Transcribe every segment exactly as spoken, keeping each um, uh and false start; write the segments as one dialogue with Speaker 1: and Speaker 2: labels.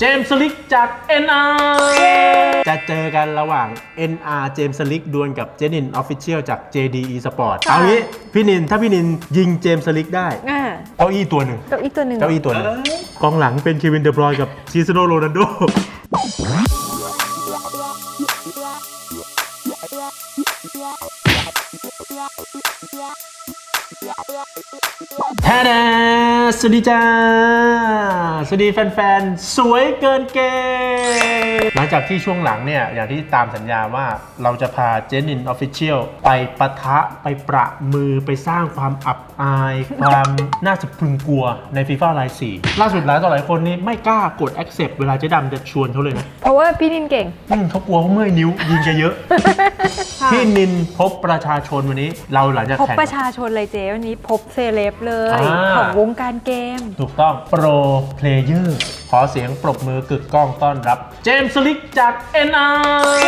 Speaker 1: เจมส์ลิกจาก เอ็น อาร์ จะเจอกันระหว่าง เอ็น อาร์ เจมส์ลิกดวลกับเจนิน Official จาก เจ ดี Esport เอางี้พี่นินถ้าพี่นินยิงเจมส์ลิกได้เก้าอี้ตัวหนึ่ง
Speaker 2: เก้าอี้ตัวหนึ่ง
Speaker 1: เก้าอี้ตัวหนึ่งกองหลังเป็นเควินเดบรอยน์กับคริสเตียโนโรนัลโดแท้แน่สวัสดีจ้าสวัสดีแฟนๆสวยเกินเกย์หลังจากที่ช่วงหลังเนี่ยอย่างที่ตามสัญญาว่าเราจะพาเจนิน Official ไปปะทะไปประมือไปสร้างความอับอายความน่าสะพรึงกลัวใน FIFA ไลน์สี่ล่าสุดหลายต่อหลายคนนี่ไม่กล้ากด accept เวลาเจ๊ดำจะชวนเขาเลยนะ
Speaker 2: เพราะว่าพี่นินเก่ง
Speaker 1: เขากลัวเขาเมื่อยนิ้วยิงแกเยอะ พี่นินพบประชาชนวันนี้เราหลังจาก
Speaker 2: พบ
Speaker 1: แข่ง
Speaker 2: ประชาชนเลยเจ๊วันนี้พบเซเลบเลยของวงการเกม
Speaker 1: ถูกต้องโปรเพลเยอร์ขอเสียงปรบมือกึกก้องต้อนรับเจมส์ลิกจาก เอ็น อาร์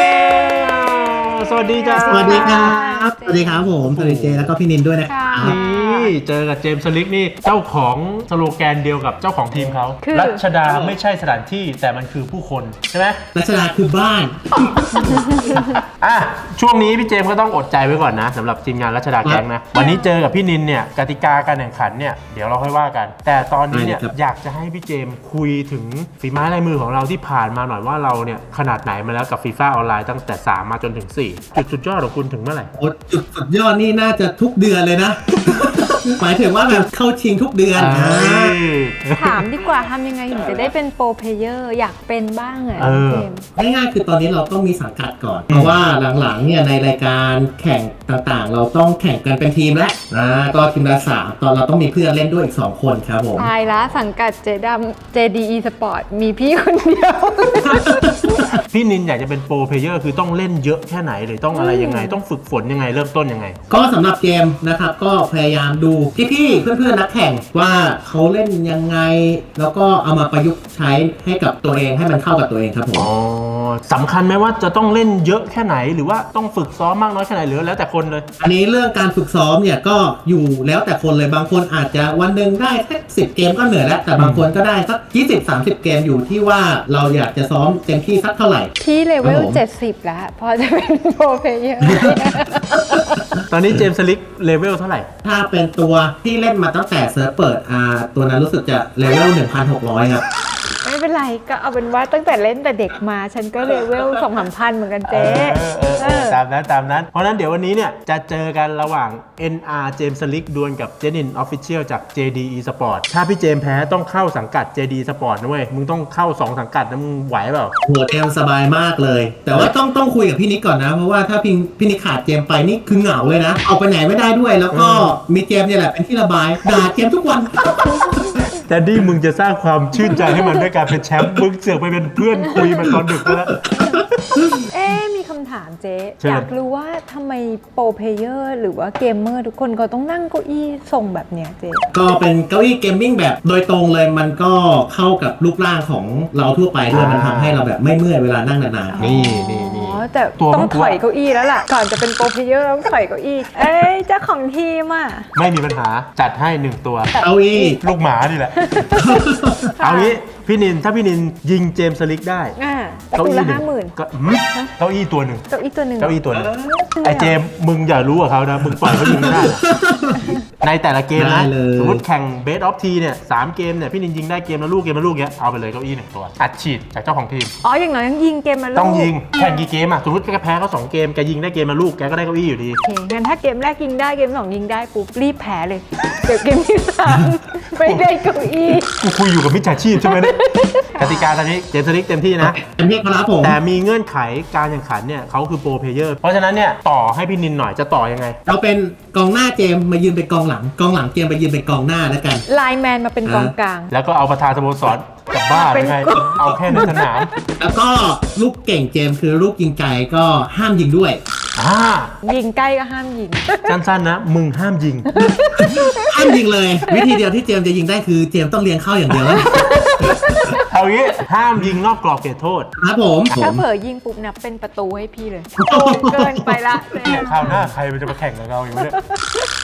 Speaker 1: สวัสดีจ้า
Speaker 3: สวัสดีครับสวัสดีครับผมสวัสดีเจแล้วก็พี่นินด้วยนะครับ
Speaker 1: นี่เจอกับเจมส์ลิกนี่เจ้าของสโลแกนเดียวกับเจ้าของทีมเขารัชดาไม่ใช่สถานที่แต่มันคือผู้คนใช่ไหม
Speaker 3: รัชดาคือบ้าน
Speaker 1: อ่ะช่วงนี้พี่เจมส์ก็ต้องอดใจไว้ก่อนนะสำหรับทีมงานรัชดาแก๊งนะวันนี้เจอกับพี่นินเนี่ยกติกาการแข่งขันเนี่ยเดี๋ยวเราค่อยว่ากันแต่ตอนนี้เนี่ยอยากจะให้พี่เจมส์คุยถึงฝีไม้ลายมือของเราที่ผ่านมาหน่อยว่าเราเนี่ยขนาดไหนมาแล้วกับฟีฟ่าออนไลน์ตั้งแต่สามมาจนถึงสี่จุดสุดยอดของคุณถึงเมื่อไหร่
Speaker 3: โอ้จุดสุดยอดนี่น่าจะทุกเดือนเลยนะ หมายถึงว่าแบบเข้าชิงทุกเดือน
Speaker 2: ถามดีกว่าทำยังไงถึงจะได้เป็นโปรเพลเยอร์อยากเป็นบ้างอ่ะเจมส์
Speaker 3: ง่ายๆคือตอนนี้เราต้องมีสังกัดก่อนเพราะว่าหลังๆเนี่ยในรายการแข่งต่างๆเราต้องแข่งกันเป็นทีมแล้วนะก็ทีมละสามตอนเราต้องมีเพื่อนเล่นด้วยอีกสองคนครับผม
Speaker 2: ตายละสังกัดเจดำ เจ ดี Esport มีพี่คนเดียว
Speaker 1: พี่นินอยากจะเป็นโปรเพลเยอร์คือต้องเล่นเยอะแค่ไหนหรือต้องอะไรยังไงต้องฝึกฝนยังไงเริ่มต้นยังไง
Speaker 3: ก็สำหรับเกมนะครับก็พยายามดูพี่ๆเพื่อนๆนักแข่งว่าเขาเล่นยังไงแล้วก็เอามาประยุกต์ใช้ให้กับตัวเองให้มันเข้ากับตัวเองครับผม
Speaker 1: อ๋อสำคัญไหมว่าจะต้องเล่นเยอะแค่ไหนหรือว่าต้องฝึกซ้อมมากน้อยแค่ไหนหรือแล้วแต่คนเลย
Speaker 3: อันนี้เรื่องการฝึกซ้อมเนี่ยก็อยู่แล้วแต่คนเลยบางคนอาจจะวันหนึ่งได้แค่สิบเกมก็เหนื่อยแล้วแต่บางคนก็ได้สักยี่สิบ สามสิบเกมอยู่ที่ว่าเราอยากจะซ้อมเต็มที่สักเท่าไหร่
Speaker 2: พี่เลเวลเจ็ดสิบแล้วพอจะเป็นโปรเพลเยอร์
Speaker 1: ตอนนี้เจมส์ลิกเลเวลเท่าไหร่
Speaker 3: ถ้าเป็นตัวที่เล่นมาตั้งแต่เซิร์ฟเปิดอ่าตัวนั้นรู้สึกจะเลเวล หนึ่งพันหกร้อย ครับ
Speaker 2: ไม่เป็นไรก็เอาเป็นว่าตั้งแต่เล่นแต่เด็กมาฉันก็เลเวล สองสามพัน เหมือนกันเจ๊
Speaker 1: ตามนั้นตามนั้นเพราะนั้นเดี๋ยววันนี้เนี่ยจะเจอกันระหว่าง เอ็น อาร์ เจมส์ลิกดวลกับเจนิน Official จาก เจ ดี Esport ถ้าพี่เจมแพ้ต้องเข้าสังกัด เจ ดี Esport นะเว้ยมึงต้องเข้าสองสังกัดนะมึงไหวเปล่า
Speaker 3: หัวเจมสบายมากเลยแต่ว่าต้องต้องคุยกับพี่นิกก่อนนะเพราะว่าถ้าพี่พี่นิกขาดเจมไปนี่คือเหงาเลยนะออกไปไหนไม่ได้ด้วยแล้วก็มีเจมเนี่ยแหละเป็นที่ระบายด่าเจมทุกวัน
Speaker 1: แต่ดิมึงจะสร้างความชื่นใจให้มันด้วยการเป็นแชมป์มึงเสือกไปเป็นเพื่อนคุยมาตอนดึกแล้ว
Speaker 2: เอ๊มีคำถามเจ๊อยากรู้ว่าทำไมโปรเพลเยอร์หรือว่าเกมเมอร์ทุกคนก็ต้องนั่งเก้าอี้ทรงแบบเนี้ยเจ๊
Speaker 3: ก็เป็นเก้าอี้เกมมิ่งแบบโดยตรงเลยมันก็เข้ากับรูปร่างของเราทั่วไปด้วยมันทำให้เราแบบไม่เมื่อยเวลานั่งนาน
Speaker 1: ๆนี่นี่นี่
Speaker 2: อ๋อแต่ต้องถอยเก้าอี้แล้วล่ะก่อนจะเป็นโปรเพลเยอร์ต้องถอยเก้าอี้เอ้ยเจ้าของทีมอ่ะ
Speaker 1: ไม่มีปัญหาจัดให้หนึ่งตัว
Speaker 3: เก้าอี้
Speaker 1: ลูกหมานี่แหละเอางี้พี่นินถ้าพี่นินยิงเจมส์ลิกได้
Speaker 2: เก้าอี้ละห้าหมื่น
Speaker 1: เก้าอี้ตัวหนึ่ง
Speaker 2: เก้าอี้ตัวหนึ่ง
Speaker 1: เก้าอี้ตัวหนึ่งไอเจมมึงอย่ารู้กับเขานะมึงปล่อยเขายิงไม่ได้ในแต่ละเกมนะสมมติแข่งเบสออฟทีเนี่ยสามเกมเนี่ยพี่นินยิงได้เกมละลูกเกมละลูกเนี้ยเอาไปเลยเก้าอี้หนึ่งตัวอัดฉีดจากเจ้าของทีม
Speaker 2: อ๋ออย่างน้อยต้องยิงเกมละลูก
Speaker 1: ต้องยิงแข่งกี่เกมอ่ะสมมติแกแพ้เขาสองเกมแกยิงได้เกมละลูกแกก็ได้เก้าอี้อยู่ดี
Speaker 2: โอเคงั้นถ้าเกมแรกยิงได้เกมสองยิงได้ปุ๊บรีบแพ้เลยเดี๋ยวเกมที่สามไม่ได้เก้าอี้
Speaker 1: กูคุยอยู่กับมิจฉาชีพใช่ไหมเนี่ยกติกาตอนนี้เจมส์ลิกเต็มที่นะ
Speaker 3: เต็มที่ครับผม
Speaker 1: แต่มีเงื่อนไขการแข่งขันเนี่ยเขาคือโปรเพลเยอร์เพราะฉะนั้นเนี่ยต่อให้พี่นินหน่อยจะต่อยังไง
Speaker 3: เราเป็นกองหน้าเจมมายืนเป็นกองหลังกองหลังเจมไปยืนเป็นกองหน้าแล้วกัน
Speaker 2: ไลน์แมนมาเป็นกองกลาง
Speaker 1: แล้วก็เอาประธานสโมสรกลับบ้านยังไงเอาแค่ในสนาม
Speaker 3: แล้วก็ลูกเก่งเจมคือลูกยิงไกลก็ห้ามยิงด้วย
Speaker 1: อ่า
Speaker 2: ยิงใกล้ก็ห้ามยิง
Speaker 1: สั้นๆนะมึงห้ามยิง
Speaker 3: ห้ามยิงเลยวิธีเดียวที่เจมจะยิงได้คือเจมต้องเลี้ยงเข้าอย่างเดียว
Speaker 1: เอางี้ห้ามยิงนอกกรอบเขตโทษ
Speaker 3: ครับผม
Speaker 2: ถ้าเผลอยิงปุ๊บนับเป็นประตูให้พี่เลยเกินไปละ
Speaker 1: เนี่ยคราวหน้าใครมันจะมาแข่งกับเราอยู่เนี่ย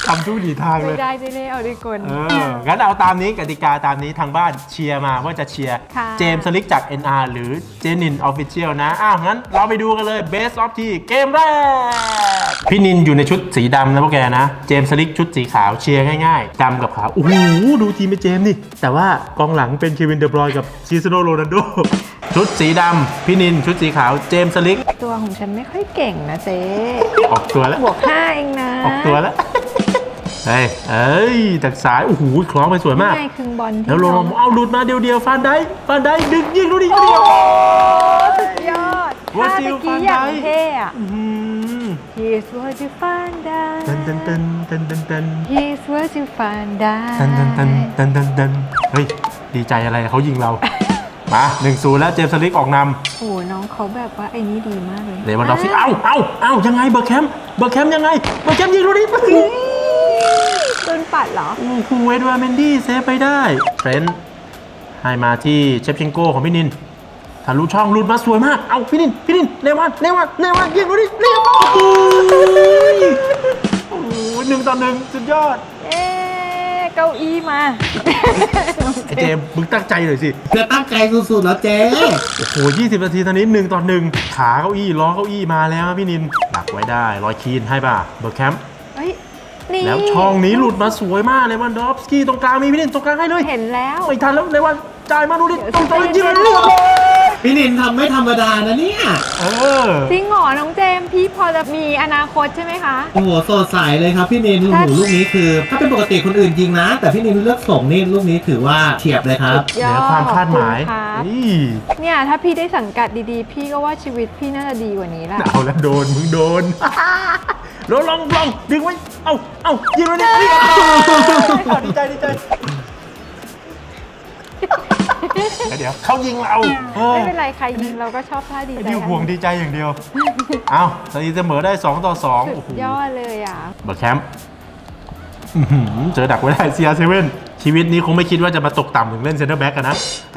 Speaker 1: ทำทุกหนีทางเล
Speaker 2: ไม่
Speaker 1: ย
Speaker 2: ได้ไม่ได้เอาดีกน
Speaker 1: เออ งั้นเอาตามนี้กติกาตามนี้ทางบ้านเชียร์มาว่าจะเชียร์
Speaker 2: ค่ะ
Speaker 1: เจมส์สลิกจาก เอ็น อาร์ หรือเจนินออฟฟิเชียลนะ อ้าว งั้นเราไปดูกันเลย Best of ที่เกมแรก พี่นินอยู่ในชุดสีดำนะพวกแกนะ เจมส์สลิกชุดสีขาวเชียร์ง่ายๆดำกับขาว โอ้โห ดูทีมเป็นเจมส์นี่ แต่ว่ากองหลังเป็นเควินเดอบรอยน์กับคริสเตียโนโรนัลโด ชุดสีดำพี่นินชุดสีขาวเจมส์สลิก
Speaker 2: ตัวของฉันไม่ค่อยเก่งนะเจ๊
Speaker 1: ออกตัวแล้ว
Speaker 2: บวกห้าเองนะ
Speaker 1: ออกตัวแล้ว เฮ้ย เอ้ยจากสาย โอ้โห คล้องไปสวยมาก
Speaker 2: ง่ายคือบอลที่
Speaker 1: แล้วลง
Speaker 2: น้อง
Speaker 1: เอาหลุดมาเดียวๆฟานได้ฟานได้ดึงยิงดูดิเดียว
Speaker 2: สุดยอด
Speaker 1: วา
Speaker 2: ท่า
Speaker 1: ซิล
Speaker 2: ตะกี้อย่าง
Speaker 1: ฟานไดค์
Speaker 2: เท่อะ
Speaker 1: อื้อหือ
Speaker 2: Here's what you find
Speaker 1: เตัน
Speaker 2: out
Speaker 1: ตันตันตันตันตัน
Speaker 2: Here's what you find
Speaker 1: ตันตันตัน
Speaker 2: out
Speaker 1: ตันตันตันเฮ้ย ดีใจอะไรเขายิงเรา มาหนึ่งศูนย์แล้วเจมส์สลิกออกน
Speaker 2: โอ้โหน้องเขาแบบว่าไอ้นี่ดีมากเลย
Speaker 1: ำเลวันดอฟซี่เอ้าเอ้าเอ้ายังไงเบอร์แคมป์เบอร์แคมป์ยังไงเบอร์แคมป์ยิงดูดิ
Speaker 2: โดนปัดเหรอ
Speaker 1: โอ้โหเอ็ดวาร์ดเมนดี้เซฟไปได้เทรนต์ให้มาที่เชฟเชนโกของพี่นินทะลุช่องหลุดมาสวยมาก เอาพี่นิน พี่นินเลวันเลวันเลวันยิงดูดิเรียบร้อยโอ้โหหนึ่งต่อหนึ่งสุดยอด
Speaker 2: เอ๊ะเก้าอี้มา
Speaker 1: ไอเจมส์มึงตั้งใจหน่อยสิ
Speaker 3: เธอตั้งใจสุดๆแล้วเจ๊
Speaker 1: โอ้โหยี่สิบนาทีตอนนี้หนึ่งต่อหนึ่งขาเก้าอี้ล้อเก้าอี้มาแล้วพี่นินดักไว้ได้รอยคีนให้ป่ะเบอร์แคมป์
Speaker 2: เฮ้ยนี่
Speaker 1: แล้วช่องนี้หลุดมาสวยมากเลวันดอฟสกี้ตรงกลางมีพี่นินตรงกลางให้เลย
Speaker 2: เห็นแล้ว
Speaker 1: ไม่ทันแล้วเลวันจ่ายมาดูดิตรงตรงยิงเลย
Speaker 3: พี่นินทำไม่ธรรมดานะเนี่ย
Speaker 1: เออ
Speaker 2: จริงเหรอน้องเจมส์พี่พอจะมีอนาคตใช่ไหมคะ
Speaker 3: โอ้โหสดใสเลยครับพี่นินโอ้
Speaker 2: ถ้า
Speaker 3: โหลูกนี้คือ ถ้าเป็นปกติคนอื่นยิงนะ แต่พี่นินเลือกส่งนี่ลูกนี้ถือว่าเฉียบเลยครับ
Speaker 1: เหนือความคาดหมาย
Speaker 2: ขอบคุณครับ
Speaker 1: นี่
Speaker 2: เนี่ยถ้าพี่ได้สังกัดดีๆ พี่ก็ว่าชีวิตพี่น่าจะดีกว่านี้แหละ
Speaker 1: เอาแล้วโดนมึงโดน ลองลองลองดึงไว้ เอาเอายิงเลยดิดีใจดีใจเดี๋ยวเขายิงเราเออ
Speaker 2: ไม่เป็นไรใครยิงเราก็ชอบท่าดี
Speaker 1: ไอ้
Speaker 2: ใจ
Speaker 1: ดิวห่วงดีใจอย่างเดียว เอาตอนนี้เสมอได้สองต่อสอง
Speaker 2: สุ
Speaker 1: โอ้
Speaker 2: ด
Speaker 1: โห
Speaker 2: ยอดเลยอ่ะ
Speaker 1: เบอร์แคมป์อื้อหือเจอดักไว้ได้ ซี อาร์ เซเว่น ชีวิตนี้คงไม่คิดว่าจะมาตกต่ำถึงเล่นเซนเตอร์แบ็กกันนะ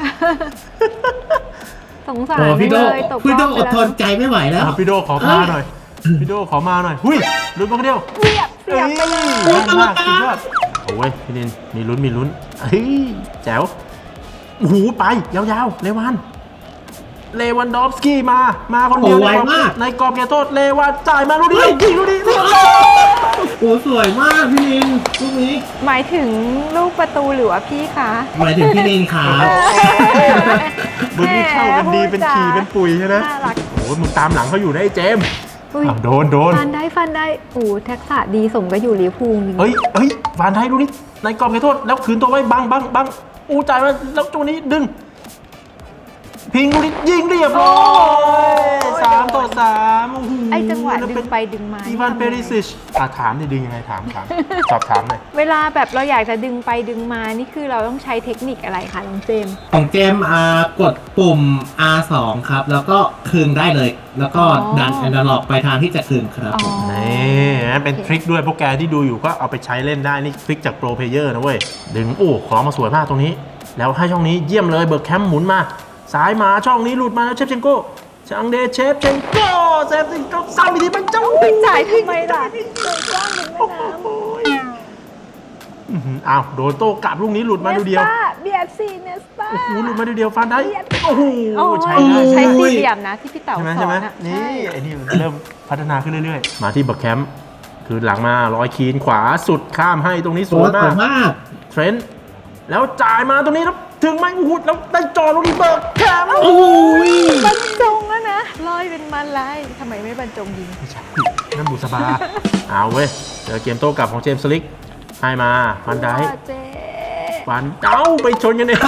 Speaker 2: สงสาร
Speaker 3: โอ้พี่โด
Speaker 2: เลยตก
Speaker 3: พี่โด
Speaker 2: รอบ
Speaker 3: อดทนใจไม่ไหวแล้ว
Speaker 1: อ่ะพี่โดขอมาหน่อย พี่โดขอมาหน่อย หุยลุ้นมาคนเดียว
Speaker 2: เสียบเสียบไปเลย
Speaker 1: เฮ้ยแม่นมากสุดยอดโอ้ยพี่นินมีลุ้นมีลุ้นเฮ้ยแจ๋วโอ้โหไปยาวๆเลวันเลวันดอฟสกี้มามาคนเดียว
Speaker 3: โอ้ไวมาก
Speaker 1: ในกรอบเขตโทษเลวันจ่ายมาลูกนี้ยิงลูกนี้เรียบร้อย
Speaker 3: โอ้สวยมากพี่นินลูกนี้
Speaker 2: หมายถึงลูกประตูหรือว่าพี่คะ
Speaker 3: หมายถึงพี่นินครับ
Speaker 1: มึงนี่เข้ากันดีเป็นขี่เป็นปุ๋ยใช่ไหม
Speaker 2: น่ารัก
Speaker 1: โอ้ยมึงตามหลังเขาอยู่นะไอ้เจมส์
Speaker 2: อุ้ย
Speaker 1: อ้าวโดนโดน
Speaker 2: ฟันได้ฟันได้โอ้ทักษะดีสมก็อยู่ลิเวอร์พูลจริง
Speaker 1: เฮ้ยเฮ้ยวานไทยดูนี่ในกรอบเขตโทษแล้วคืนตัวไว้บังบังบังอู้จ่ายมาแล้วตัวนี้ดึงพิงดูนี่ยิงเรียบร้อยสามต่อสามโอ้โห
Speaker 2: ไอ้จังหวะ
Speaker 1: แล้
Speaker 2: ดึ
Speaker 1: เป็
Speaker 2: ง
Speaker 1: น
Speaker 2: ไปดึงมา
Speaker 1: อีวานเปริซิชอ่ะถามดิดึงยังไงถามถามสอบถามหน่อย
Speaker 2: เวลาแบบเราอยากจะดึงไปดึงมานี่คือเราต้องใช้เทคนิคอะไรคะน้องเจมส์
Speaker 3: ของเจมส์อ่ากดปุ่ม อาร์ สอง ครับ แล้วก็คืนได้เลย แล้วก็
Speaker 2: อ๋อ
Speaker 3: ดันแอนดาล็อกไปทางที่จะคืนครับ
Speaker 2: อ๋อ
Speaker 3: ผม
Speaker 1: นี่นะเป็นทริคด้วยพวกแกที่ดูอยู่ก็เอาไปใช้เล่นได้นี่ทริคจากโปรเพลเยอร์นะเว้ยดึงโอ้ของมาสวยมากตรงนี้ แล้วให้ช่องนี้เยี่ยมเลยเบิร์กแคมป์หมุนมาซ้ายมาช่องนี้หลุดมาแล้วเชฟเชนโก้ชังเดเชฟเชนโก้เชฟเชนโก้ซ้ำอีกทีมันเจ้า
Speaker 2: ไปจ่ายทำไมล่ะเลยกว้างเป็นแม่น้ำ
Speaker 1: อื้อหืออ้าวโดนโต้กลับลูกนี้หลุดมาดูเดียว
Speaker 2: เบียดซีเนสตา
Speaker 1: โอ้โหหลุดมาดูเดียวฟันได้โอ้โห
Speaker 2: โอ้
Speaker 1: ใช่
Speaker 2: ย
Speaker 1: ได้
Speaker 2: ใช้
Speaker 1: ใช่
Speaker 2: สี่เหลี่ยมนะที่พี่เต๋า
Speaker 1: ใช่ไหม
Speaker 2: ส
Speaker 1: ใช่
Speaker 2: อ
Speaker 1: ไหม
Speaker 2: นอ่ะ
Speaker 1: นี่
Speaker 2: ใช่
Speaker 1: ไอ้นี่มันเริ่มพัฒนาขึ้นเรื่อยๆ มาที่เบิร์กแคมป์คือหลังมาร้อยคีนขวาสุดข้ามให้ตรงนี้ส
Speaker 3: ส
Speaker 1: ว
Speaker 3: วย ย
Speaker 1: มาก
Speaker 3: มาก
Speaker 1: เทรนต์แล้วจ่ายมาตรงนี้แล้วถึงไหมโอ้โหแล้วได้จอลูกนี้เบิร์กแคมป์
Speaker 3: โอ้ย
Speaker 2: บรรจงแล้วนะลอยเป็นมันลายทำไมไม่บรรจงยิง
Speaker 1: ไม่ใช่นั่นบุษบา เอาเว้ยเจอเกมโต้กลับของเจมส์สลิกให้มาฟันได้
Speaker 2: เจ๊
Speaker 1: ฟันเจ้าไปชนกันเอง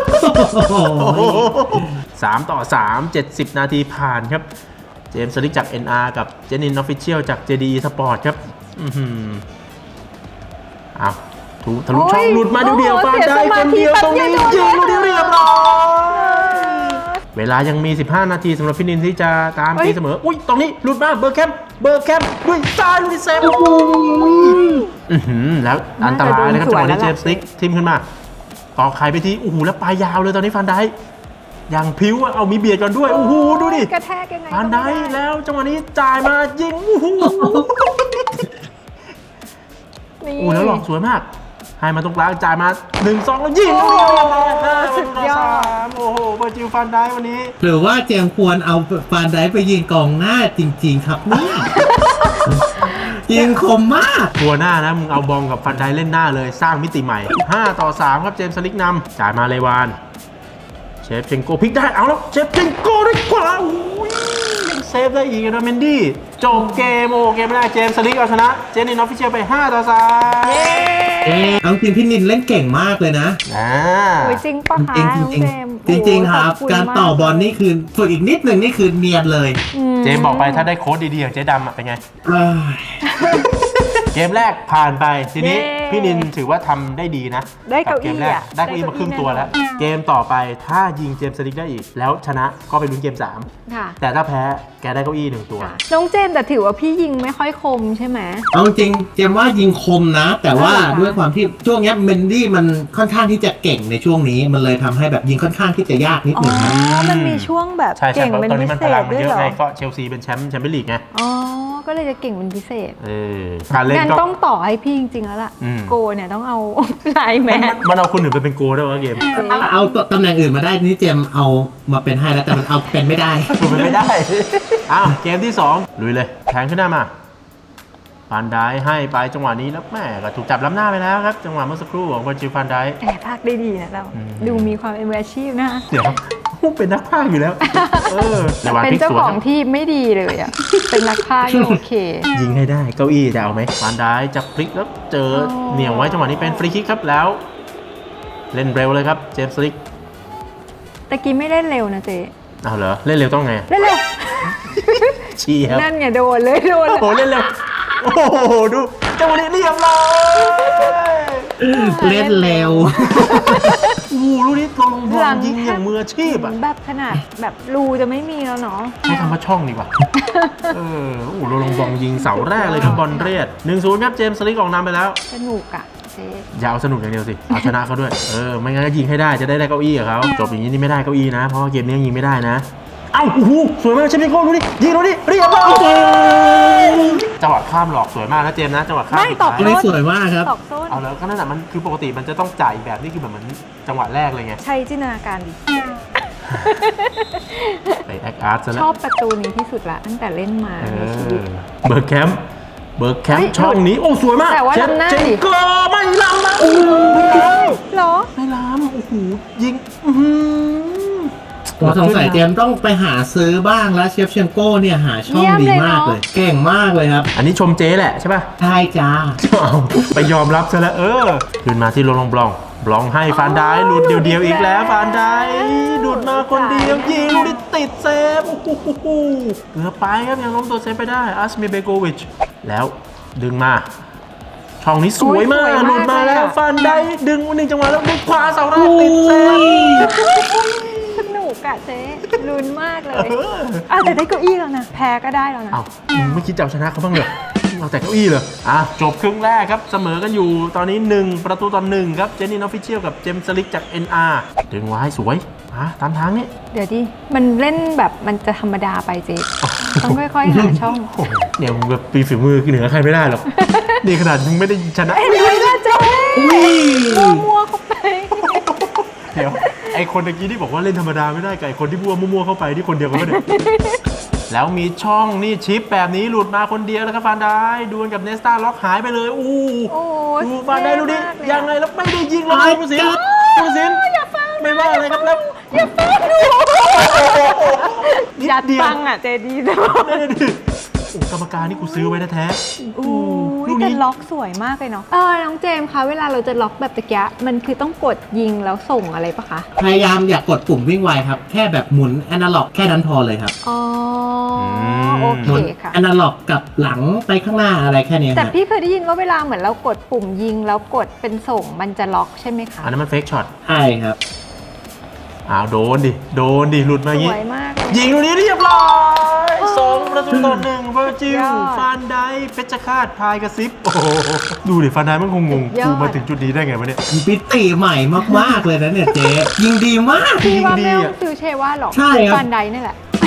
Speaker 1: สามต่อสามเจ็ดสิบนาทีผ่านครับเจมส์สลิกจาก เอ็น อาร์ กับเจนินออฟฟิเชียลจาก เจ ดี อี Sport ครับอื้อหือเอาถูกทะลุช่องหลุดมาเดียวๆฟันได้คนเดียวตรงนี้ยิงลูกเดียวเรียบร้อยเวลายังมี สิบห้า นาทีสำหรับพี่นินที่จะตามตีเสมอ อุ้ยตรงนี้หลุดมาเบอร์แคมป์เบอร์แคมป์ด้วยซ้ายลูกนี้เซฟอื้อหือแล้วอันตรายนะครับจังหวะนี้เจมส์สลิกทิมขึ้นมาต่อไข่ไปทีโอ้โหแล้วปลายยาวเลยตอนนี้ฟันได้อย่างพิ้วอะเอามีเบียดกันด้วยโอ้โหดูดิ
Speaker 2: กระแทกยังไง
Speaker 1: ฟันได้
Speaker 2: ก็ม่
Speaker 1: แล้วจังหวะนี้จ่ายมายิงโอ้โห
Speaker 2: นี่
Speaker 1: โอ้แล้วหลอกสวยมากให้มาตรงกลางจ่ายมาหนึ่งสองแล้วยิง
Speaker 2: โอ้
Speaker 1: สุดยอดโอ้โหเบอร์จิลฟันได้วันนี้
Speaker 3: หรือว่าเจมส์ควรเอาฟานไดไปยิงกองหน้าจริง ๆ ครับเนี่ย ยิงคมมาก
Speaker 1: ตัวหน้านะมึงเอาบอลกับฟันได้เล่นหน้าเลยสร้างมิติใหม่ห้าต่อสามครับเจมส์สลิกนำจ่ายมาเลวานเชฟเชนโกพลิกได้เอาแล้วเชฟเชนโกได้ขวาโอ้ยยังเซฟได้อีกนะเมนดี้จบเกมโอ้เกมแรกเจมส์สลิกเอาชนะเจนนินออฟฟิเชียลไปห้าต่อสาม
Speaker 3: เอ๊ะเอาจริงพี่นินเล่นเก่งมากเลยนะ
Speaker 1: อ่า
Speaker 2: โอ้ยจริงปะคะ
Speaker 3: จริง
Speaker 2: น้อง
Speaker 3: จริง
Speaker 2: เจมส์
Speaker 3: จริงจริง
Speaker 2: โอ้
Speaker 3: ๆครับ
Speaker 2: ขอณ
Speaker 3: การต่อบอลนี่คือฝึกอีกนิดหนึ่งนี่คือเนียนเลย
Speaker 2: ม
Speaker 1: เจมส์บอกไปถ้าได้โค้ดดีๆอย่างเจ๊ดำอะเป็นไง
Speaker 3: เอ้ย
Speaker 1: เกมแรกผ่านไปทีนี้
Speaker 2: เย้
Speaker 1: พี่นินถือว่าทำได้ดีนะ
Speaker 2: ได้เก้า
Speaker 1: บเกมแรก
Speaker 2: อี้อะ
Speaker 1: ได้เก้าอี้มาครึ่งตัวแล้ว เกมต่อไปถ้ายิงเจมส์สลิกได้อีก แล้วชนะก็ไปลุ้นเกมสาม
Speaker 2: ค่ะ
Speaker 1: แต่ถ้าแพ้แกได้เก้าอี้หนึ่งตัว
Speaker 2: ค่ะน้องเจมส์แต่ถือว่าพี่ยิงไม่ค่อยคมใช่ไหม
Speaker 3: เอาจริงเจมส์ว่ายิงคมนะ แต่ว่า
Speaker 2: อ่า
Speaker 3: ด้วยความที่ช่วงเนี้ยเมนดี้มันค่อนข้างที่จะเก่งในช่วงนี้ มันเลยทำให้แบบยิงค่อนข้างที่จะยากนิด
Speaker 2: อ๋
Speaker 3: หนึ่งนะ
Speaker 2: อ มันมีช่วงแบบ
Speaker 1: ใช่ใช่
Speaker 2: เก่ง
Speaker 1: เพราะ
Speaker 2: เป็น
Speaker 1: ตอน
Speaker 2: พิ
Speaker 1: นี้มัน
Speaker 2: เศ
Speaker 1: พลั
Speaker 2: ษ
Speaker 1: งมัน
Speaker 2: ด้วย
Speaker 1: เยอะ
Speaker 2: เหรอ
Speaker 1: ไงก็เชลซีเป็นแชมป์แชมเปี้ยนลีกไง
Speaker 2: อ๋อ ก็เลยจะเก่งเป็นพิเศษ
Speaker 1: เออการเล่น
Speaker 2: งั้น
Speaker 1: ก็
Speaker 2: ต้องต่อให้พี่จริงๆแล้วล่ะ
Speaker 1: อืม
Speaker 2: โกเนี่ยต้องเอา ไลน์แม
Speaker 1: มัน
Speaker 2: น
Speaker 1: มันเอาคนอื่นไปเป็นโกลได้วะเกม
Speaker 3: เอาตำแหน่งอื่นมาได้นี่เจมส์เอามาเป็นให้แล้วแต่มันเอาเป็นไม่ได้
Speaker 1: ถูกมันไม่ได้ อ้าวเกมที่สองลุยเลยแทงขึ้นหน้ามาฟันได้ให้ไปจังหวะนี้แล้วแม่ก็ถูกจับล้ำหน้าไปแล้วครับจังหวะเมื่อสักครู่ของวอร์จิลฟันได้
Speaker 2: แอบพากได้ดีนะเรา
Speaker 1: อืม
Speaker 2: ดูมีความเป็นมืออาชีพนะ
Speaker 1: เดี๋ยวเป็นนักพากย์อยู่แล้ว เออระหว่าง
Speaker 2: เป็น
Speaker 1: พลิก
Speaker 2: เจ้า
Speaker 1: สวน
Speaker 2: ข
Speaker 1: ค
Speaker 2: อ
Speaker 1: รั
Speaker 2: ง
Speaker 1: บ
Speaker 2: ที่ไม่ดีเลยอ่ะ เป็นนักพากย์ยังโอเค
Speaker 1: ยิงให้ได้เก้าอี้จะเอาไหมฟานได้จะพลิกแล้วเจอ
Speaker 2: อ๋อ
Speaker 1: เหนี่ยวไว้จังหวะนี้เป็นฟรีคิกครับแล้ว เล่นเร็วเลยครับเจมส์ลิก
Speaker 2: ตะกี้ไม่เล่นเร็วนะเจ๊
Speaker 1: เอาเหรอเล่นเร็วต้องไง
Speaker 2: เล่นเร็ว
Speaker 1: เชียร์
Speaker 2: นั่นไงโดนเลยโดน
Speaker 1: โอ้
Speaker 2: เลย
Speaker 1: โหเล่นเร็วโอ้โหดูจังหวะนี้เรียบร้อย
Speaker 3: เล่นเร็ว
Speaker 1: โอ้โหลูกนี้ตรงบอลยิงอย่างมืออาชีพอ่ะ
Speaker 2: แบบขนาดแบบรูจะไม่มีแล้วเนาะ
Speaker 1: ใช้คำว่าช่องดีกว่าเออโอ้โหลงบอลยิงเสาแรกเลยครับบอลเรียด หนึ่งศูนย์ ครับเจมส์ลิกออกนำไปแล้ว
Speaker 2: สนุกอะเจ๊
Speaker 1: อย่าเอาสนุกอย่างเดียวสิ เอาชนะเขาด้วย เออ ไม่งั้นก็ยิงให้ได้ จะได้ได้เก้าอี้กับเขาจบอย่างนี้นี่ไม่ได้เก้าอี้นะ เพราะว่าเกมนี้ยังยิงไม่ได้นะ เอ้า โอ้โห สวยมากเชฟมิโก้ดูดิยิงดูดิเรียบร้อยจังหวะข้ามหลอกสวยมากนะเจมส์นะ จังหวะข้าม
Speaker 2: ไม่
Speaker 1: สุด
Speaker 2: ตอบ
Speaker 1: ท้าย
Speaker 3: เล่นสวยมากครับ
Speaker 2: ตอกส้น
Speaker 1: เอาแล้วก็นั่นแหะมันคือปกติมันจะต้องจ่ายแบบนี้คือแบบเหมือนจังหวะแรกเลยไง
Speaker 2: ใช้จินตนาการดิ
Speaker 1: ไปแอคอาร์ตซะ
Speaker 2: ช
Speaker 1: แล้ว
Speaker 2: อบประตูนี้ที่สุดละตั้งแต่เล่นมา
Speaker 1: เอ
Speaker 2: ในชีวิต
Speaker 1: อเบิร์กแคมป์เบิร์กแคม
Speaker 2: เฮ้
Speaker 1: ป์
Speaker 2: ย
Speaker 1: ช่องนี้ โอ้ สวยมาก
Speaker 2: แต่ว่า
Speaker 1: เจม
Speaker 2: ล้ำหน้า
Speaker 1: เจม
Speaker 2: ดิ
Speaker 1: ก็ไม่ล้ำนะโอ้โหไม่ล้ำ
Speaker 2: เหรอ
Speaker 1: ไม่ล้ำโอ้โห ยิง อื้อหือ
Speaker 3: ผมสงสัยเจมส์ต้องไปหาซื้อบ้างแล้วเชฟเชนโก้เนี่ยหาช่อง
Speaker 2: เยี่ยม
Speaker 3: ดี
Speaker 2: เลย
Speaker 3: มาก
Speaker 2: เนอะ
Speaker 3: เลย เก่งมากเลยครับ
Speaker 1: อันนี้ชมเจ๊แหละใช่ป่ะ
Speaker 3: ใช่จ้า
Speaker 1: เอาไปยอมรับซะแล้วเออคืนมาที่โรลองบลองบลองให้ฟานได้หลุดเดียวๆอีกแล้วฟานได้หลุดมาคนเดียวยิงลูกนี้ติดเซฟโอ้โหเกือบไปครับยังล้มตัวเซฟไปได้อัสเมเบโกวิชแล้วดึงมาช่องนี้สวยมาก
Speaker 2: โอ้ยสวยมาก
Speaker 1: หลุดมาแล้ว
Speaker 2: เลยอะ
Speaker 1: ฟานได้ดึงหนึ่งจังหวะแล้วมุดขวาเสาแรกติดเซฟ
Speaker 2: สนุกอะเจ๊ลุ้นมากเลยอ่ะแต่ได้เก้าอี้แล้วนะ แพ้ก็ได้แล้วนะ
Speaker 1: เอ้ามึงไม่คิดจะเอาชนะเขาบ้างเหรอเอาแต่เก้าอี้เหรออ่ะจบครึ่งแรกครับเสมอกันอยู่ตอนนี้หนึ่งประตูต่อหนึ่งครับเจนนี่ออฟฟิเชียลกับเจมส์สลิกจาก เอ็น อาร์ ดึงไว้สวยอ่ะตามทางนี้
Speaker 2: เดี๋ยวดิ มันเล่นแบบมันจะธรรมดาไปเจ๊ต้องค่อยๆหาช่อง
Speaker 1: โอ้โหเนี่ยมึงแบบปีฝีมือเหนือใครไม่ได้หรอก นี่ขนาดมึงไม่ได้ชนะ
Speaker 2: เอ็นด้วยนะเจ๊มัวๆเข้าไป
Speaker 1: เดี๋ยวไอคนตะกี้ที่บอกว่าเล่นธรรมดาไม่ได้กับไอคนที่พูดว่ามั่วๆเข้าไปที่คนเดียวกันไม่ได้ แล้วมีช่องนี่ชิปแบบนี้หลุดมาคนเดียวแล้วครับฟานได้ดวลกับเนสตาล็อกหายไปเลยอู้
Speaker 2: โอ้ย
Speaker 1: ดูฟานได้ดูดิ
Speaker 2: เท่มากเลย
Speaker 1: ยังไงแล้วไม่ได้ยิงแล้ว
Speaker 3: ไอ้
Speaker 1: ผู้สินผู้สิน
Speaker 2: อย่าฟัง
Speaker 1: ไม่ว่าอะไรครับแล้ว
Speaker 2: อย่าฟังดู
Speaker 1: นิด
Speaker 2: ยัด
Speaker 1: เดียว
Speaker 2: ฟังอ่ะเจดีนะ
Speaker 1: นั่นน่ะดิโอ้กรรมการนี่กูซื้อไว้แท้
Speaker 2: โอ้ย
Speaker 1: ลูก
Speaker 2: แต่
Speaker 1: นี้
Speaker 2: ล็อกสวยมากเลยเนาะเออน้องเจมส์คะเวลาเราจะล็อกแบบตะกี้มันคือต้องกดยิงแล้วส่งอะไรปะคะ
Speaker 3: พยายามอย่ากกดปุ่มวิ่งไวครับ แค่แบบหมุนแอนาล็อกแค่นั้นพอเลยครับ
Speaker 2: อ๋ออ
Speaker 1: ม
Speaker 2: โอ
Speaker 3: ห
Speaker 2: เค
Speaker 3: มุน
Speaker 2: ค่ะ
Speaker 3: แอนาล็อกกับหลังไปข้างหน้าอะไรแค่นี้
Speaker 2: แต่
Speaker 3: ฮะ
Speaker 2: พี่เคยได้ยินว่าเวลาเหมือนเรากดปุ่มยิงแล้วกดเป็นส่งมันจะล็อกใช่ไหมคะ
Speaker 1: อันนั้นมันเฟกช็อต
Speaker 3: ใช่ครับ
Speaker 1: อ้าวโดนดิโดนดิหลุดมาอย่าง
Speaker 2: ส
Speaker 1: งี้
Speaker 2: วยมากเลย
Speaker 1: ยิงลูกนี้เรียบร้อยสองประตูต่อหนึ่งเวอร์จิล
Speaker 2: ยอด
Speaker 1: ฟานไดเพชรฆาตพายกระซิบโอ้โหดูดิฟานไดมันคงงง
Speaker 2: ยอด
Speaker 1: กูมาถึงจุดนี้ได้ไงวะเนี่ย
Speaker 3: ปิติใหม่มากๆเลยนะเนี่ยเจ๊ยิงดีมาก
Speaker 2: พี่ว่า
Speaker 1: ยิงดี
Speaker 2: ไม่ต้
Speaker 1: อะ
Speaker 2: องซื้อเชว่าหรอก
Speaker 3: ใช่ครับ
Speaker 2: ฟันไดนี่แหละ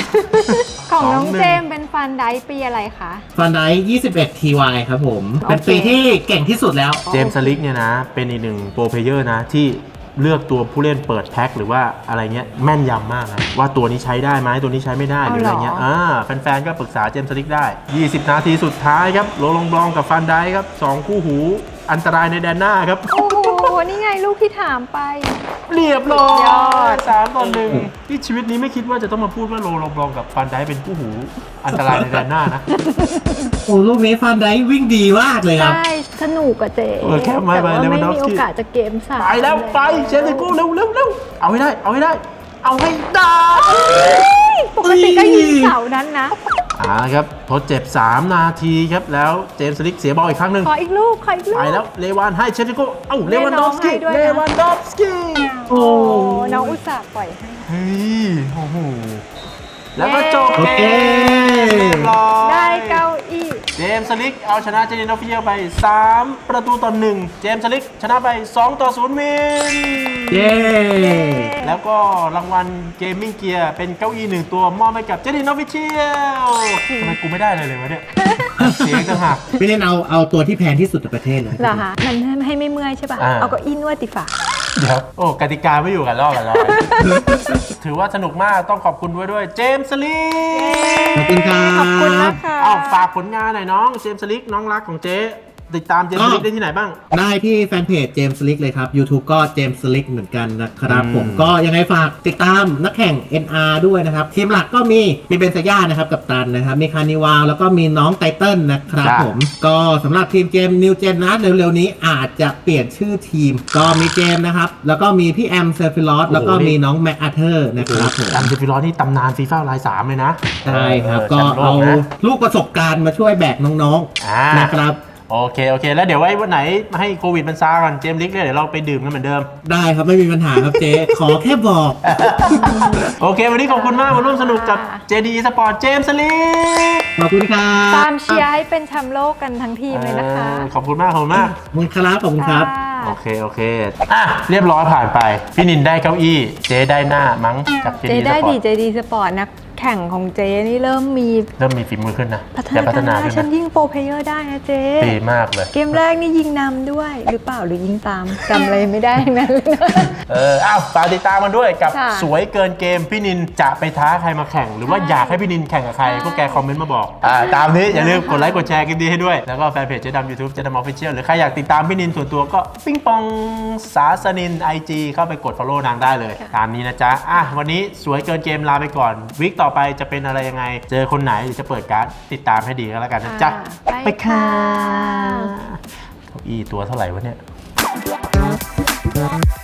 Speaker 2: ของน้อง
Speaker 1: สองหนึ่ง
Speaker 2: เจมส์เป็นฟันไดปีอะไรคะ
Speaker 3: ฟันไดยี่สิบเอ็ด ที วาย ครับผม เป็นปีที่เก่งที่สุดแล้ว
Speaker 1: เจมส์สลิกเนี่ยนะ เป็นอีกหนึ่งโปรเพลเยอร์นะที่เลือกตัวผู้เล่นเปิดแพ็คหรือว่าอะไรเงี้ยแม่นยำมากนะว่าตัวนี้ใช้ได้ไหมตัวนี้ใช้ไม่ได้หรืออะไรเงี้ยอ่าแฟนๆก็ปรึกษาเจมส์สลิกได้ ยี่สิบ นาทีสุดท้ายครับโรลองบลองกับฟันไดครับสองคู่หูอันตรายในแดนหน้าครับ
Speaker 2: โอ้โห นี่ไงลูกที่ถามไป
Speaker 1: เรียบร้อย
Speaker 2: ยอด
Speaker 1: สามต่อหนึ่งที่ชีวิตนี้ไม่คิดว่าจะต้องมาพูดว่าโรลองบลองกับฟันไดเป็นคู่หูอันตรายในแดนหน้านะ
Speaker 3: โอ้ลูกนี้ฟันไดวิ่งดีมากเลยครับ
Speaker 2: ใช่ สนุกกับเจ
Speaker 1: เออแค่ไม่
Speaker 2: แต่
Speaker 1: ไป
Speaker 2: ว่า
Speaker 1: เล
Speaker 2: ไม่
Speaker 1: วานดอฟ
Speaker 2: มี
Speaker 1: สกี้
Speaker 2: โอกาสจะเกมสาม
Speaker 1: ไปแล้วไปเจมส์สลิกเร็วเร็วเร็วเอาให้ได้เอาให้ได้ เอาให้ได้
Speaker 2: ปกติก็ยิงเสานั้นนะ
Speaker 1: อ่าครับทดเจ็บ สาม นาทีครับ แล้วเจมส์สลิกเสียบอลอีกครั้งหนึ่ง
Speaker 2: ขออีกลูก ขออีกลูก
Speaker 1: ไปแล้วเลวานให้เชฟติโกเอ้าเลวานดอฟสกี้
Speaker 2: ให้ด้วยนะ
Speaker 1: เลวานดอฟสกี้
Speaker 2: โอ้น้องอุตส่าห์ปล่อยให้
Speaker 1: เฮ้ยโอ้โหแล้วก็จบ
Speaker 3: โอ
Speaker 1: เก
Speaker 3: เค
Speaker 1: มเรียบร้อย
Speaker 2: ได้เก้าอี้
Speaker 1: เจมส์สลิกเอาชนะเจนินอฟฟิเชียลไป สาม ประตูต่อหนึ่งเจมส์สลิกชนะไป สอง ต่อ ศูนย์ วิน
Speaker 3: เย้
Speaker 1: แล้วก็รางวัลเกมมิ่งเกียร์เป็นเก้าอี้หนึ่งตัวมอบให้กับเจนินอฟฟิเชียลทำไมกูไม่ได้เลยเลยวะเนี่ย เสียงต่างหาก
Speaker 3: พี่เล่นเอาเอาตัวที่แพงที่สุดในประเทศเลย
Speaker 2: เหรอคะมันให้ไม่เมื่อยใช่ป่ะ
Speaker 1: อ่า
Speaker 2: เอาเก็อินวดติฝา
Speaker 1: เดี๋ยว โอ้ กติกาไม่อยู่กันลอกกันลอย ถือว่าสนุกมากต้องขอบคุณด้วยด้วยเจมส์สลิก
Speaker 3: ขอบคุณครับ
Speaker 2: ขอบคุณนะคะ
Speaker 1: อ้าวฝากผลงานหน่อยน้องเจมส์สลิกน้องรักของเจ๊ติดตามเจมส์สลิกได้ที่ไหนบ้าง
Speaker 3: ได้ที่แฟนเพจเจมส์สลิกเลยครับ YouTube ก็เจมส์สลิกเหมือนกันนะครับ
Speaker 1: อืม
Speaker 3: ผมก็ยังไงฝากติดตามนักแข่ง เอ็น อาร์ ด้วยนะครับ ทีมหลักก็มีมีเบนซาย่านะครับกับตันนะครับ มีคานิวาลแล้วก็มีน้องไตเติ้ลนะครับผม ก็สำหรับทีมเจมนิวเจนนะเร็วๆนี้อาจจะเปลี่ยนชื่อทีม ก็มีเจมนะครับ แล้วก็มีพี่แอมเซอร์ฟิลอสแล้วก็มีน้องแม็กอาเธอร์นะครับผม
Speaker 1: ตามเจฟิลอสนี่ตำนานฟีฟ่าไลน์สามเลยนะ
Speaker 3: ใช่ครับ
Speaker 1: เอ
Speaker 3: ก็
Speaker 1: อแชมป์โล
Speaker 3: เอา
Speaker 1: นะ
Speaker 3: ลูกประสบการณ์มาช่วยแบกน้อง
Speaker 1: อ่า
Speaker 3: ๆนะครับ
Speaker 1: โอเค โอเค แล้วเดี๋ยวไว้วันไหนให้โควิดมันซาก่อนเจมส์ลิกเนี่ยเดี๋ยวเราไปดื่มกันเหมือนเดิม
Speaker 3: ได้ครับไม่มีปัญหาครับเจ๊ขอแค่บอก
Speaker 1: โอเค วันนี้ขอบคุณมากมาร่วมสนุกกับ เจ ดี Sport เจมส์สลิก
Speaker 3: ขอบคุณครับ
Speaker 2: ตามเชียร์ให้เป็นแชมป์โลกกันทั้งทีมเลยนะคะ
Speaker 1: เออขอบคุณมากขอบคุณมาก
Speaker 3: ขอบคุณครับขอบคุณครับ
Speaker 2: ค่ะ
Speaker 1: โอเค โอเค อ่ะ เรียบร้อยผ่านไป พี่นินได้เก้าอี้ เจ๊ได้หน้ามั้งจากเจ
Speaker 2: เจ
Speaker 1: ดี
Speaker 2: ได้
Speaker 1: สปอ
Speaker 2: ดี
Speaker 1: ร์ต
Speaker 2: เจดีสปอร์ตนักแข่งของเจนี่เริ่มมี
Speaker 1: เริ่มมีฝีมือขึ้นนะ
Speaker 2: พัฒ
Speaker 1: แต่
Speaker 2: นา
Speaker 1: พัฒ
Speaker 2: การ
Speaker 1: นา
Speaker 2: ได้
Speaker 1: ขึ้น
Speaker 2: ฉัน
Speaker 1: นะ
Speaker 2: ยิงโปรเพลเยอร์ได้นะเจ
Speaker 1: ดีมากเลย
Speaker 2: เกมแรกนี่ยิงนำด้วย หรือเปล่าหรือยิงตามจำอะไรไม่ได้ทั้งนั้นเลยนะ
Speaker 1: เออ อ้าวฝากติดตามมันด้วยกับ
Speaker 2: ค่ะ
Speaker 1: สวยเกินเกม พี่นินจะไปท้าใครมาแข่ง หรือว่า
Speaker 2: ใช่
Speaker 1: อยากให้พี่นินแข่งกับใคร
Speaker 2: ใช่
Speaker 1: พวกแกคอมเมนต์มาบอก อ่า ตามนี้อย่าลืมกดไลค์กดแชร์กันดีให้ด้วย แล้วก็แฟนเพจเจ๊ดำ YouTube เจ๊ดำออฟฟิเชียลหรือใครอยากติดตามพี่นินส่วนตัวก็ปิ้งปองสาสนิน ไอ จี เข้าไปกด follow นางได้เลย ตามนี้นะจ๊ะ อ่ะ วันนี้สวยเกินเกมลาไปก่อนวิกต่อไปจะเป็นอะไรยังไง เจอคนไหนหรือจะเปิดการ์ดติดตามให้ดีก็แล้วกันนะจ๊ะ
Speaker 2: อ่าไปค่ะ
Speaker 1: เก้าอี้ตัวเท่าไหร่วะเนี่ย